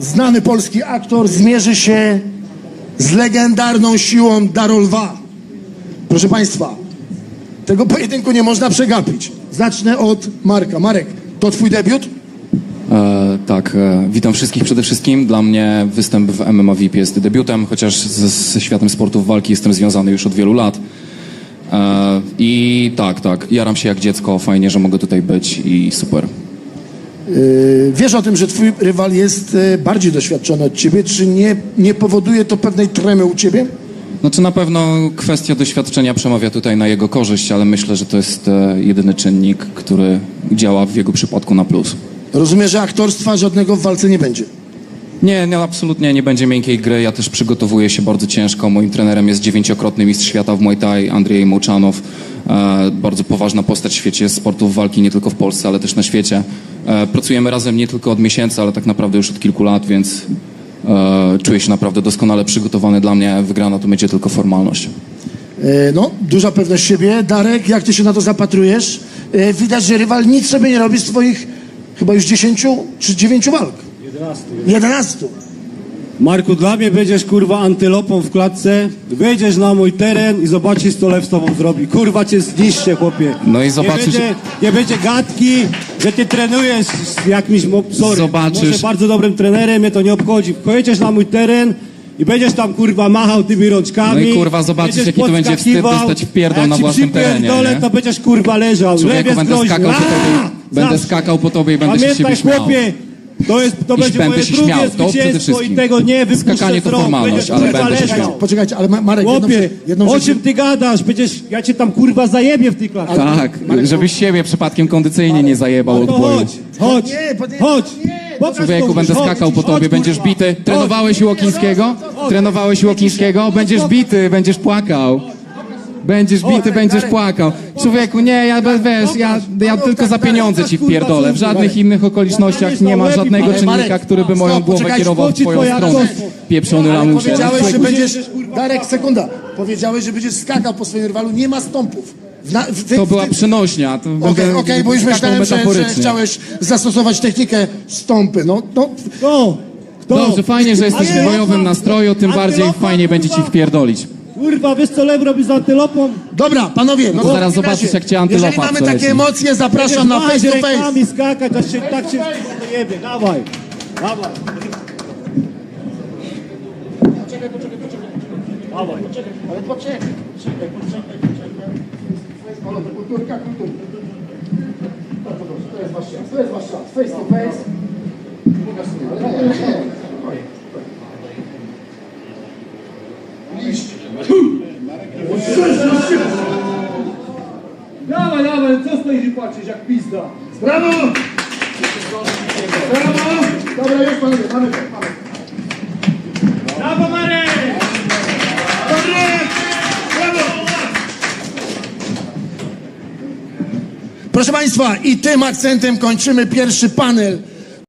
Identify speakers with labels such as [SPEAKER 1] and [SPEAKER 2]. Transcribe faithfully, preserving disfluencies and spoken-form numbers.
[SPEAKER 1] znany polski aktor, zmierzy się z legendarną siłą Darol dwa. Proszę Państwa, tego pojedynku nie można przegapić. Zacznę od Marka. Marek, to twój debiut?
[SPEAKER 2] E, tak, e, witam wszystkich przede wszystkim. Dla mnie występ w M M A V I P jest debiutem, chociaż ze, ze światem sportów walki jestem związany już od wielu lat. E, I tak, tak, jaram się jak dziecko, fajnie, że mogę tutaj być i super.
[SPEAKER 1] Yy, wiesz o tym, że twój rywal jest yy, bardziej doświadczony od ciebie, czy nie, nie powoduje to pewnej tremy u ciebie?
[SPEAKER 2] Znaczy na pewno kwestia doświadczenia przemawia tutaj na jego korzyść, ale myślę, że to jest e, jedyny czynnik, który działa w jego przypadku na plus.
[SPEAKER 1] Rozumiem, że aktorstwa żadnego w walce nie będzie.
[SPEAKER 2] Nie, nie, absolutnie nie będzie miękkiej gry. Ja też przygotowuję się bardzo ciężko. Moim trenerem jest dziewięciokrotny mistrz świata w Muay Thai, Andrzej Mołczanow. E, bardzo poważna postać w świecie sportów walki, nie tylko w Polsce, ale też na świecie. E, pracujemy razem nie tylko od miesięcy, ale tak naprawdę już od kilku lat, więc e, czuję się naprawdę doskonale przygotowany. Dla mnie wygrana to będzie tylko formalność.
[SPEAKER 1] Yy, no, duża pewność siebie. Darek, jak ty się na to zapatrujesz? Yy, widać, że rywal nic sobie nie robi z twoich chyba już dziesięciu czy dziewięciu walk. jedenastu.
[SPEAKER 3] Marku, dla mnie będziesz kurwa antylopą w klatce, wyjdziesz na mój teren i zobaczysz, co lew z tobą zrobi. Kurwa cię zniszczę, chłopie.
[SPEAKER 2] No i zobaczysz-
[SPEAKER 3] Nie będzie, nie będzie gadki, że ty trenujesz z jakimś, mo- sorry,
[SPEAKER 2] Zobaczysz-
[SPEAKER 3] może bardzo dobrym trenerem, mnie to nie obchodzi. Pojedziesz na mój teren i będziesz tam kurwa machał tymi rączkami.
[SPEAKER 2] No i, kurwa, zobaczysz,
[SPEAKER 3] będziesz
[SPEAKER 2] jaki to będzie wstyd
[SPEAKER 3] podskakiwał,
[SPEAKER 2] dostać w pierdol
[SPEAKER 3] a jak
[SPEAKER 2] na
[SPEAKER 3] ci
[SPEAKER 2] własnym terenie,
[SPEAKER 3] przypierdolę,
[SPEAKER 2] nie?
[SPEAKER 3] to będziesz kurwa leżał. Lew
[SPEAKER 2] Człowieku,
[SPEAKER 3] jest
[SPEAKER 2] będę
[SPEAKER 3] groźny.
[SPEAKER 2] skakał po tobie,
[SPEAKER 3] Aaa!
[SPEAKER 2] będę
[SPEAKER 3] Zawsze.
[SPEAKER 2] skakał po tobie i będę się z
[SPEAKER 3] Pamiętaj,
[SPEAKER 2] siebie śmiał.
[SPEAKER 3] chłopie, to, jest, to będzie
[SPEAKER 2] będę
[SPEAKER 3] moje
[SPEAKER 2] się
[SPEAKER 3] drugie
[SPEAKER 2] śmiał, to przede
[SPEAKER 3] zwycięstwo
[SPEAKER 2] wszystkim.
[SPEAKER 3] i tego nie wypuszczę
[SPEAKER 2] Skakanie to
[SPEAKER 3] z rąk.
[SPEAKER 2] formalność,
[SPEAKER 3] Będziesz,
[SPEAKER 2] ale
[SPEAKER 3] kurwa,
[SPEAKER 2] będę się
[SPEAKER 3] leżał.
[SPEAKER 2] śmiał.
[SPEAKER 1] Poczekajcie, ale Ma- Marek, jedną,
[SPEAKER 3] Chłopie,
[SPEAKER 1] rzecz- jedną
[SPEAKER 3] o
[SPEAKER 1] rzecz...
[SPEAKER 3] czym ty gadasz? Przecież ja cię tam kurwa zajebię w tej klatce.
[SPEAKER 2] Tak, żebyś siebie przypadkiem kondycyjnie nie zajebał
[SPEAKER 3] No
[SPEAKER 2] od
[SPEAKER 3] to
[SPEAKER 2] boju.
[SPEAKER 3] chodź, chodź,
[SPEAKER 1] Nie, bo nie-
[SPEAKER 3] chodź.
[SPEAKER 1] nie,
[SPEAKER 3] Pokaż
[SPEAKER 2] Człowieku,
[SPEAKER 3] komuś,
[SPEAKER 2] będę
[SPEAKER 3] chodź,
[SPEAKER 2] skakał po
[SPEAKER 3] chodź,
[SPEAKER 2] tobie, będziesz
[SPEAKER 3] kurwa.
[SPEAKER 2] bity. Trenowałeś Łokińskiego? Trenowałeś Łokińskiego? Będziesz bity, będziesz płakał. Będziesz bity, będziesz płakał. Człowieku, nie, ja be- wiesz, ja, ja tylko za pieniądze ci wpierdolę. W żadnych innych okolicznościach nie ma żadnego
[SPEAKER 1] Ale
[SPEAKER 2] czynnika,
[SPEAKER 1] Marek,
[SPEAKER 2] który by moją
[SPEAKER 1] stop,
[SPEAKER 2] głowę
[SPEAKER 1] poczekajcie,
[SPEAKER 2] kierował w
[SPEAKER 3] chodź,
[SPEAKER 2] twoją
[SPEAKER 3] twoja
[SPEAKER 2] stronę.
[SPEAKER 3] aktorstwo.
[SPEAKER 2] Pieprzony lamusie.
[SPEAKER 1] Powiedziałeś, że
[SPEAKER 2] Człowieku,
[SPEAKER 1] będziesz... Darek, sekunda. Powiedziałeś, że będziesz skakał po swoim rywalu. Nie ma stąpów. W na, w, ty,
[SPEAKER 2] To była
[SPEAKER 1] w, ty-
[SPEAKER 2] przenośnia. to
[SPEAKER 1] Okej,
[SPEAKER 2] będę
[SPEAKER 1] okej, bo już
[SPEAKER 2] skakał
[SPEAKER 1] myślałem, że, że
[SPEAKER 2] metaforycznie.
[SPEAKER 1] chciałeś zastosować technikę stąpy. No, no,
[SPEAKER 3] Kto? Kto?
[SPEAKER 2] Dobrze, fajnie, że jesteś w
[SPEAKER 3] Ale-
[SPEAKER 2] bojowym nastroju, tym bardziej
[SPEAKER 3] Antylopa,
[SPEAKER 2] fajnie będzie ci
[SPEAKER 3] kurwa.
[SPEAKER 2] wpierdolić.
[SPEAKER 3] Kurwa, wiesz co lew robi z antylopą?
[SPEAKER 1] dobra, panowie. No
[SPEAKER 2] to
[SPEAKER 1] to
[SPEAKER 2] zaraz
[SPEAKER 1] w takim
[SPEAKER 2] zobaczysz,
[SPEAKER 1] razie,
[SPEAKER 2] jak cię antylopa
[SPEAKER 1] jeżeli mamy
[SPEAKER 2] przeleci.
[SPEAKER 1] takie emocje, zapraszam na
[SPEAKER 3] Będziesz
[SPEAKER 1] face to
[SPEAKER 3] machać
[SPEAKER 1] face.
[SPEAKER 3] rękami, skakać, aż się tak się to jebie. Dawaj, dawaj. Dawaj.
[SPEAKER 1] Ale poczekaj, poczekaj, poczekaj, poczekaj. Panowie, kulturka, kulturka. Bardzo dobrze, to jest wasz czas, to jest wasz czas. Face to face. Pokaż sobie, ale nie, nie, nie. Liść.
[SPEAKER 3] Dawaj, dawaj, co stoisz i patrzysz jak pizda?
[SPEAKER 1] Brawo! Brawo! Dobra, już panowie, mamy to, mamy to.
[SPEAKER 3] Brawo, Marek!
[SPEAKER 1] Proszę Państwa, i tym akcentem kończymy pierwszy panel